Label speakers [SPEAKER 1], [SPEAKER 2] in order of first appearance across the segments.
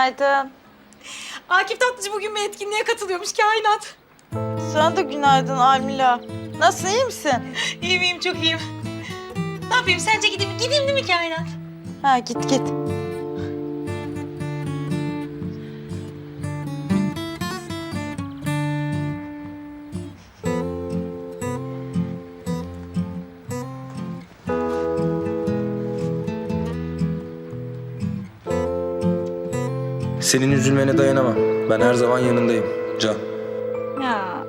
[SPEAKER 1] Günaydın.
[SPEAKER 2] Akif Tatlıcı bugün bir etkinliğe katılıyormuş kainat.
[SPEAKER 1] Sana da günaydın Almila. Nasılsın, iyi misin?
[SPEAKER 2] İyiyim, çok iyiyim. Ne yapayım, sence gideyim değil mi kainat?
[SPEAKER 1] Ha, git.
[SPEAKER 3] Senin üzülmene dayanamam. Ben her zaman yanındayım Can.
[SPEAKER 1] Ya.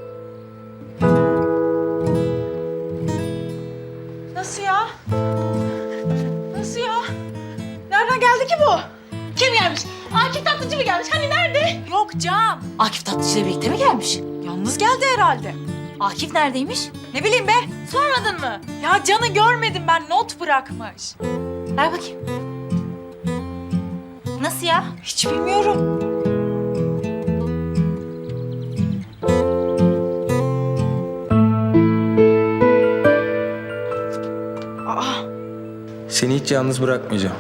[SPEAKER 1] Nasıl ya? Nasıl ya? Nereden geldi ki bu?
[SPEAKER 2] Kim gelmiş? Akif Tatlıcı mı gelmiş? Hani nerede?
[SPEAKER 1] Yok Can.
[SPEAKER 2] Akif Tatlıcı ile birlikte mi gelmiş?
[SPEAKER 1] Yalnız geldi herhalde.
[SPEAKER 2] Akif neredeymiş?
[SPEAKER 1] Ne bileyim be.
[SPEAKER 2] Sormadın mı?
[SPEAKER 1] Ya Can'ı görmedim ben. Not bırakmış.
[SPEAKER 2] Ver bakayım. Nasıl ya?
[SPEAKER 1] Hiç bilmiyorum. Aa,
[SPEAKER 3] Seni hiç yalnız bırakmayacağım.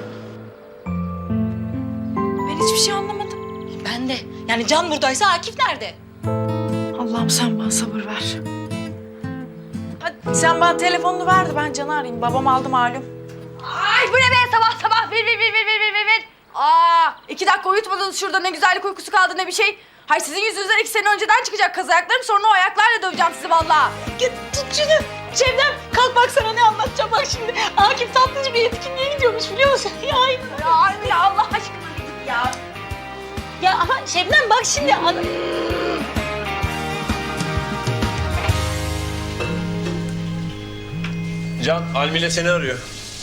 [SPEAKER 1] ben hiçbir şey anlamadım.
[SPEAKER 2] Ben de. Yani Can buradaysa Akif nerede?
[SPEAKER 1] Allah'ım sen bana sabır ver. Hadi sen bana telefonunu ver de ben Can'ı arayayım. Babam aldı malum.
[SPEAKER 4] Ay bu ne be sabah sabah ver. Aa 2 dakika uyutmadınız şurada ne güzellik uykusu kaldı ne bir şey. Hay sizin yüzünüzden 2 sene önceden çıkacak kaz ayaklarım sonra o ayaklarla döveceğim sizi vallahi.
[SPEAKER 2] Git tut şunu. Şebnem kalk bak sana ne anlatacağım bak şimdi. Akif Tatlıcı bir etkinliğe gidiyormuş biliyor musun?
[SPEAKER 4] Ya Almila ya Allah aşkına ya.
[SPEAKER 2] Ya ama Şebnem bak şimdi.
[SPEAKER 5] Can, Almile seni arıyor.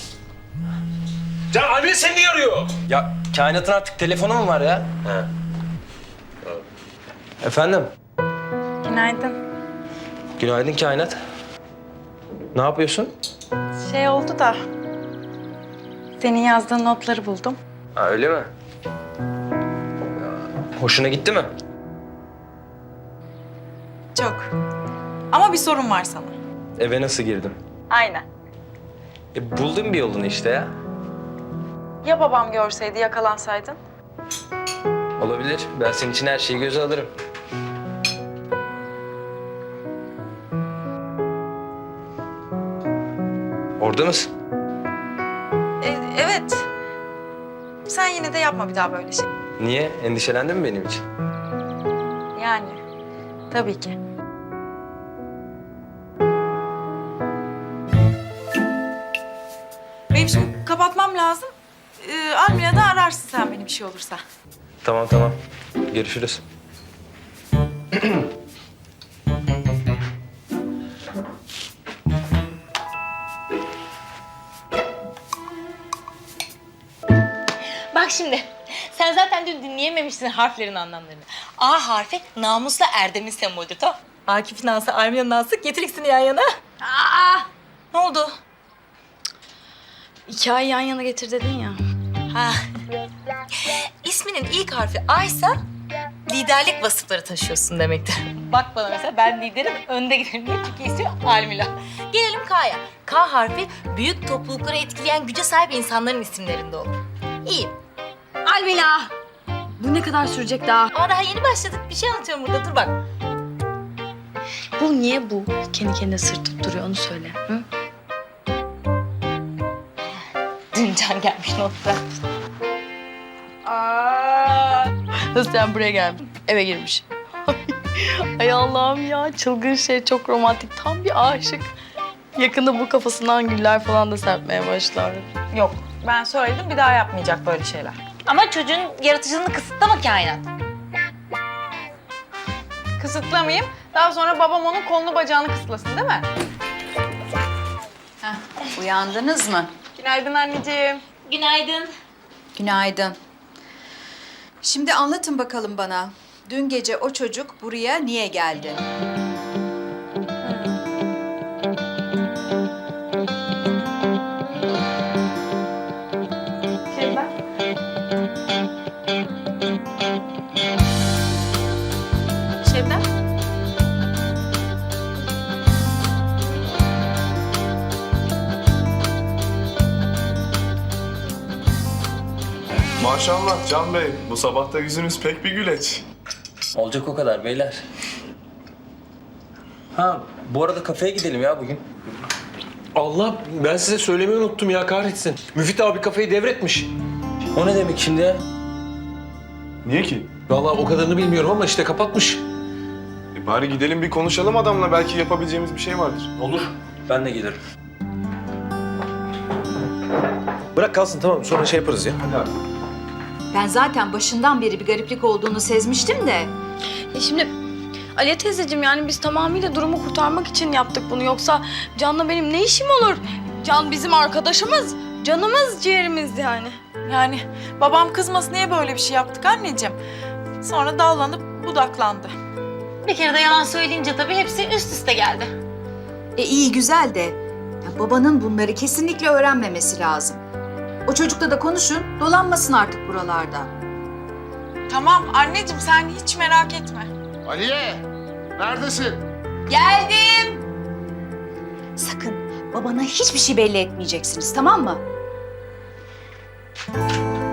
[SPEAKER 5] Can, Almile seni niye arıyor?
[SPEAKER 3] Ya kainatın artık telefonu mu var ya?
[SPEAKER 5] He.
[SPEAKER 3] Efendim?
[SPEAKER 1] Günaydın.
[SPEAKER 3] Günaydın kainat. Ne yapıyorsun?
[SPEAKER 1] Şey oldu da... Senin yazdığın notları buldum.
[SPEAKER 3] Ha, öyle mi? Ya, hoşuna gitti mi?
[SPEAKER 1] Çok. Ama bir sorun var sana.
[SPEAKER 3] Eve nasıl girdim?
[SPEAKER 1] Aynen.
[SPEAKER 3] Buldum bir yolunu işte ya.
[SPEAKER 1] Ya babam görseydi, yakalansaydın?
[SPEAKER 3] Olabilir. Ben senin için her şeyi göze alırım. Orada mısın?
[SPEAKER 1] Evet. Sen yine de yapma bir daha böyle şey.
[SPEAKER 3] Niye? Endişelendin mi benim için?
[SPEAKER 1] Yani. Tabii ki. Benim şimdi kapatmam lazım. Almina da ararsın sen beni bir şey olursa.
[SPEAKER 3] Tamam. Görüşürüz.
[SPEAKER 2] Bak şimdi. Sen zaten dün dinleyememişsin harflerin anlamlarını. A harfi namusla erdemin sembolüdür tamam. Akif'in A'sı, Almina'nın A'sı getir ikisini yan yana.
[SPEAKER 4] Aa
[SPEAKER 2] Ne oldu?
[SPEAKER 4] 2 ay yan yana getir dedin ya.
[SPEAKER 2] Ha. İsminin ilk harfi A'ysa liderlik vasıfları taşıyorsun demektir. Bak bana mesela ben liderim, önde giderim diye çünkü ismi Almila. Gelelim K'ya. K harfi büyük toplulukları etkileyen güce sahip insanların isimlerinde olur. İyi.
[SPEAKER 4] Almila. Bu ne kadar sürecek daha?
[SPEAKER 2] Ama daha yeni başladık. Bir şey anlatıyorum burada. Dur bak.
[SPEAKER 4] Bu niye bu? Kendi kendine sırtıp duruyor onu söyle. Hı?
[SPEAKER 2] Dün Can gelmiş notta.
[SPEAKER 4] Nasıl sen buraya geldin? Eve girmiş. Ay Allah'ım ya çılgın şey çok romantik. Tam bir aşık. Yakında bu kafasından güller falan da serpmeye başlar.
[SPEAKER 1] Yok. Ben söyledim bir daha yapmayacak böyle şeyler.
[SPEAKER 2] Ama çocuğun yaratıcılığını kısıtlama kainat.
[SPEAKER 1] Kısıtlamayayım. Daha sonra babam onun kolunu bacağını kısıtlasın değil mi?
[SPEAKER 6] Uyandınız mı?
[SPEAKER 1] Günaydın anneciğim.
[SPEAKER 2] Günaydın.
[SPEAKER 6] Günaydın. Şimdi anlatın bakalım bana. Dün gece o çocuk buraya niye geldi?
[SPEAKER 1] Şebnem. Şebnem.
[SPEAKER 5] Maaş
[SPEAKER 7] Maşallah Can Bey, bu sabah da yüzünüz pek bir güleç.
[SPEAKER 3] Olacak o kadar beyler. Ha bu arada kafeye gidelim ya bugün.
[SPEAKER 5] Allah, ben size söylemeyi unuttum ya, kahretsin. Müfit abi kafeyi devretmiş.
[SPEAKER 3] O ne demek şimdi ya?
[SPEAKER 7] Niye ki?
[SPEAKER 5] Vallahi o kadarını bilmiyorum ama işte kapatmış.
[SPEAKER 7] Bari gidelim bir konuşalım adamla, belki yapabileceğimiz bir şey vardır.
[SPEAKER 3] Olur. Ben de gelirim.
[SPEAKER 5] Bırak kalsın, tamam, sonra şey yaparız ya.
[SPEAKER 7] Hadi abi.
[SPEAKER 6] Ben zaten başından beri bir gariplik olduğunu sezmiştim de.
[SPEAKER 4] Şimdi Aliye teyzeciğim yani biz tamamıyla durumu kurtarmak için yaptık bunu. Yoksa Can'la benim ne işim olur? Can bizim arkadaşımız, canımız, ciğerimiz yani.
[SPEAKER 1] Yani babam kızmasın diye böyle bir şey yaptık anneciğim. Sonra dallanıp budaklandı.
[SPEAKER 2] Bir kere de yalan söyleyince tabii hepsi üst üste geldi.
[SPEAKER 6] İyi güzel de ya babanın bunları kesinlikle öğrenmemesi lazım. O çocukla da konuşun, dolanmasın artık buralarda.
[SPEAKER 1] Tamam anneciğim sen hiç merak etme.
[SPEAKER 8] Aliye, neredesin?
[SPEAKER 6] Geldim. Sakın babana hiçbir şey belli etmeyeceksiniz, tamam mı?